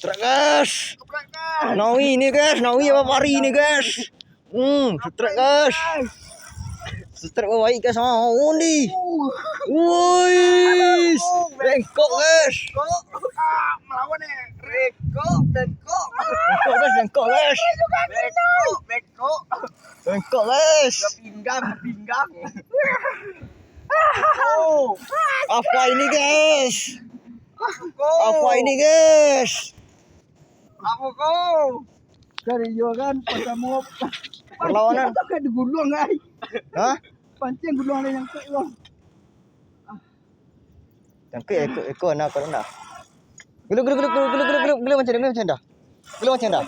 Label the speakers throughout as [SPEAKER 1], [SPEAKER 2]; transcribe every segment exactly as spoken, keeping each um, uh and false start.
[SPEAKER 1] Strike guys. Nawi ni guys, Nawi apa pari ni guys. Hmm, strike guys. Strike baik guys. Oh ni. Woi. Bengkok guys.
[SPEAKER 2] Ah, melawan ni. Bengkok, bengkok.
[SPEAKER 1] Bengkok guys, bengkok guys.
[SPEAKER 2] Bengkok, bengkok.
[SPEAKER 1] Bengkok guys.
[SPEAKER 2] Pinggang, pinggang.
[SPEAKER 1] Oh. Apa ini guys?
[SPEAKER 2] Kau.
[SPEAKER 1] Apa ini guys?
[SPEAKER 2] Apa kau? Cari juga kan pasamu.
[SPEAKER 1] Perlawanan.
[SPEAKER 2] Tak ada gulung ai.
[SPEAKER 1] Hah?
[SPEAKER 2] Pancing gulung ada yang kek bang.
[SPEAKER 1] Yang ke ekor ekor nak kau nak. Gulu gulu gulu gulu gulu gulu gulu macam dah, macam dah. Gulu macam dah.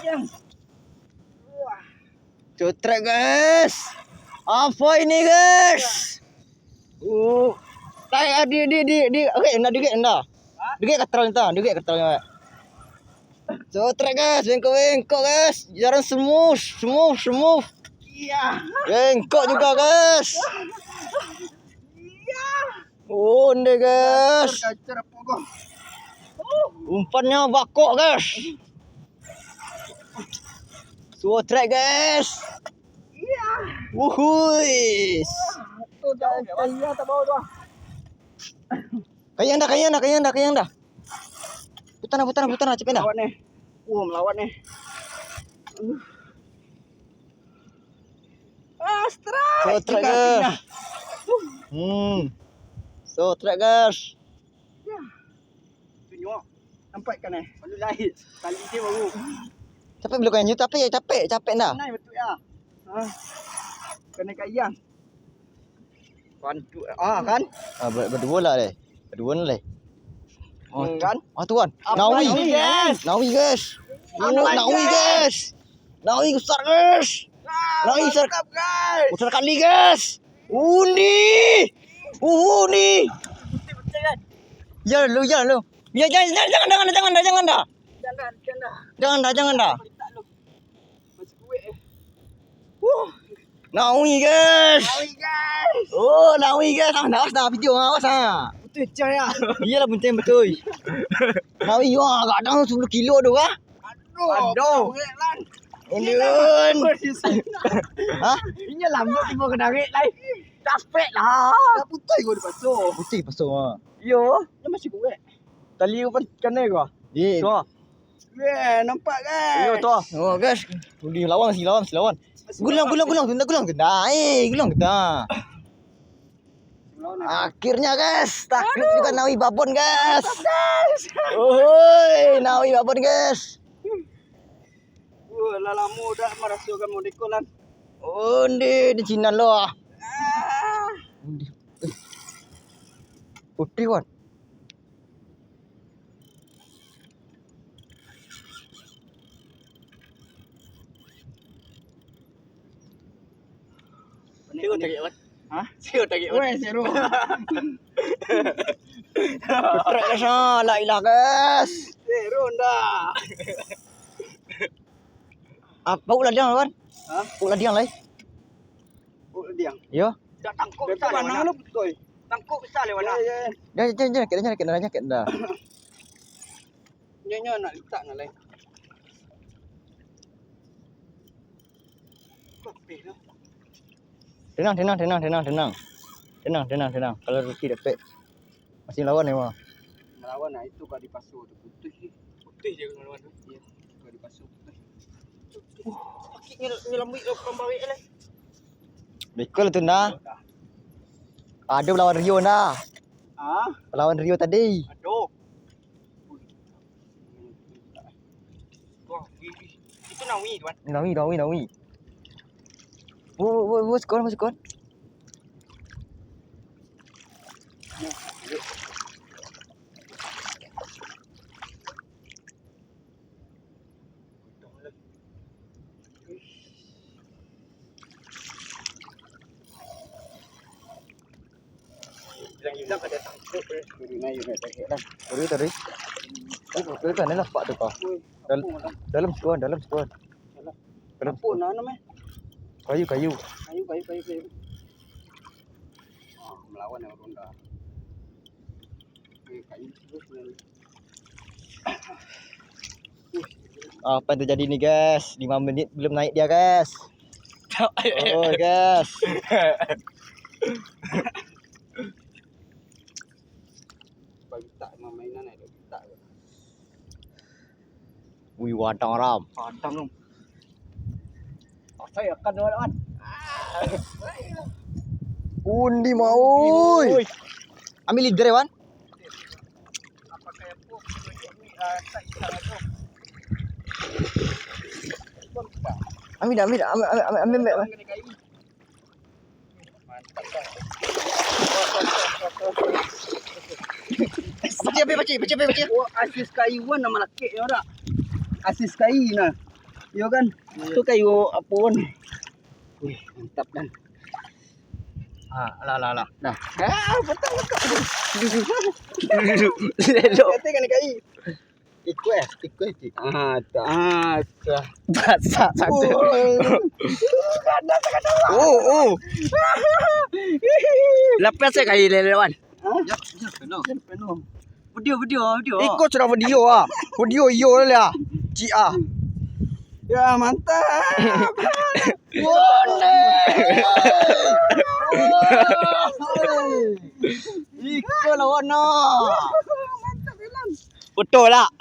[SPEAKER 1] Cutret guys. Apa ini guys? Oh. Tak di di di di. Okey, nak dikit anda. Dikit katral entah, dikit katral. Cutret guys, bengkok-bengkok guys. Jalan smooth, smooth, smooth.
[SPEAKER 2] Iya.
[SPEAKER 1] Bengkok juga guys.
[SPEAKER 2] Iya.
[SPEAKER 1] Oh, ni guys.
[SPEAKER 2] Kacau apa kau?
[SPEAKER 1] Umpannya bakok guys. Suo track guys.
[SPEAKER 2] Iya.
[SPEAKER 1] Wuhui.
[SPEAKER 2] Tu dah iya tak bawa tu.
[SPEAKER 1] Kayang dah, kayang dah, kayang dah, kayang dah. Putar dah, putar dah, putar dah, cepet dah.
[SPEAKER 2] Melawan ni. Oh, melawan ni. Ah, strike.
[SPEAKER 1] Suo track guys. Hmm. Suo track guys.
[SPEAKER 2] Ya. Tunjuk. Nampak kan eh? Baru lahir. Kali dia baru.
[SPEAKER 1] Capek belum kayang tapi capek, capek dah.
[SPEAKER 2] Naik betul ya. Ha. Kena kayang. Bantu. Ah kan?
[SPEAKER 1] Ah, ber- berdua lah leh. Berdua lah leh.
[SPEAKER 2] Oh, kan?
[SPEAKER 1] Ah tuan.
[SPEAKER 2] Apa
[SPEAKER 1] Nawi.
[SPEAKER 2] ini, guys?
[SPEAKER 1] Nawi guys. Oh,
[SPEAKER 2] Apa,
[SPEAKER 1] Nawi
[SPEAKER 2] guys?
[SPEAKER 1] guys. Nawi besar guys. Nawi besar.
[SPEAKER 2] Mantap guys.
[SPEAKER 1] Besar kali guys. Undi. Undi.
[SPEAKER 2] Betul-betul kan?
[SPEAKER 1] Ya lu, ya lu. Ya jangan jangan jangan jangan jangan dah, jangan dah.
[SPEAKER 2] Jangan, jangan.
[SPEAKER 1] Jangan dah, jangan dah.
[SPEAKER 2] Tak lu. Masih kuat eh.
[SPEAKER 1] Wuh. Nawi guys.
[SPEAKER 2] Hai guys.
[SPEAKER 1] Oh, Nawi guys. Ah, dah dah video awas ah.
[SPEAKER 2] Betul caya.
[SPEAKER 1] Iyalah penting betul. Nawi wah, kadang sepuluh kilo tu ah.
[SPEAKER 2] Aduh. Aduh. Lan.
[SPEAKER 1] Undun. Hah?
[SPEAKER 2] Ini lambut tiba ke darik lai. Capek lah. Dah putih gua dipasuh.
[SPEAKER 1] Putih pasal ah.
[SPEAKER 2] Yo, dia masih kuat. Tali apa kena gua?
[SPEAKER 1] Eh,
[SPEAKER 2] Tu. Yeah, nampak guys.
[SPEAKER 1] yo tu. Oh guys. Uli lawan si lawan si lawan. Gulang gulang gulang tunda gulang tunda. Eh, gulang tunda. Akhirnya guys, takluk juga Nawi Babon guys.
[SPEAKER 2] Guys.
[SPEAKER 1] Oi, Nawi Babon guys.
[SPEAKER 2] Uh, lalamu dah merasukan modikolan.
[SPEAKER 1] Undi di Cina lo ah.
[SPEAKER 2] Ah.
[SPEAKER 1] Undi. Putih kan?
[SPEAKER 2] Siapa tak kira? Hah? Siapa tak kira? Weh, seru.
[SPEAKER 1] Putrek guys ah, la ilah guys.
[SPEAKER 2] Seru dah.
[SPEAKER 1] Apa ulah dia kan?
[SPEAKER 2] Hah?
[SPEAKER 1] Ulah dia lai.
[SPEAKER 2] Oh, diang.
[SPEAKER 1] Yo.
[SPEAKER 2] Dah tangkuk besar mana lu betul. Tangkuk besar le mana? Ya, ya.
[SPEAKER 1] Jangan jangan jangan kita jangan kita jangan kita dah.
[SPEAKER 2] Nyonya nak letak nak lain. Kopi tu.
[SPEAKER 1] Tenang tenang tenang tenang tenang. Tenang tenang tenang. Kalau Ruki dapat masih lawan ni mah.
[SPEAKER 2] Melawan nah itu kau dipasuh tu putih ni. Putih je kau melawan tu. Ya. Kau dipasuh putih. Uh, pakitnya nyelambik lo pembawik le.
[SPEAKER 1] Bekol tu nah. Ada lawan Rio nah.
[SPEAKER 2] Ah,
[SPEAKER 1] Lawan Rio tadi.
[SPEAKER 2] aduh. Wah, itu Nawi tuan.
[SPEAKER 1] Nawi Nawi Nawi. Oh, oh, oh, skor, skor.
[SPEAKER 2] Hilang-hilang ada tangkuk eh. Dari naik naik tak kira.
[SPEAKER 1] Tadi tadi. Oh, tu kan lah pak tu kau. Dalam dalam skor, dalam skor. Dalam
[SPEAKER 2] Apa nak nama?
[SPEAKER 1] kayu kayu.
[SPEAKER 2] Kayu, kayu, kayu, kayu. Ah, melawan yang ronda. Eh, kayu terus ni.
[SPEAKER 1] Apa yang terjadi ni guys? lima menit belum naik dia guys. Oh guys.
[SPEAKER 2] Bagi tak memang mainan ada tak.
[SPEAKER 1] Wih wadang ram.
[SPEAKER 2] Padang. Saya akan lawan.
[SPEAKER 1] Undi mau. Ambil leader ya Wan.
[SPEAKER 2] Apa kayak pun ini tak ikan tu.
[SPEAKER 1] Ambil dah, ambil dah, ambil ambil ambil. ambil, ambil.
[SPEAKER 2] Mantap dah.
[SPEAKER 1] Baca apa baca, baca apa baca.
[SPEAKER 2] Oh, asis kayu wan nama laki ni ora. Asis kayu nah. Yo kan. Tu kayu apa wan. Wih, mantap dan.
[SPEAKER 1] Ah, lah lah lah.
[SPEAKER 2] Dah. Ah, betul betul. Lelok. Kata kan kayu.
[SPEAKER 1] Ikut eh, ikut je.
[SPEAKER 2] Ah, tak. Ah, tak.
[SPEAKER 1] Basah satu.
[SPEAKER 2] Kada kada.
[SPEAKER 1] Oh, oh.
[SPEAKER 2] Lepas saya kayu lelok wan.
[SPEAKER 1] Ya, ya, penuh.
[SPEAKER 2] Penuh. Video video video.
[SPEAKER 1] Ikut sudah video ah. Video yo lah. Ci ah.
[SPEAKER 2] Ya, mantap.
[SPEAKER 1] Wone. Ikut lawan no.
[SPEAKER 2] Mantap Ilan.
[SPEAKER 1] Betul lah.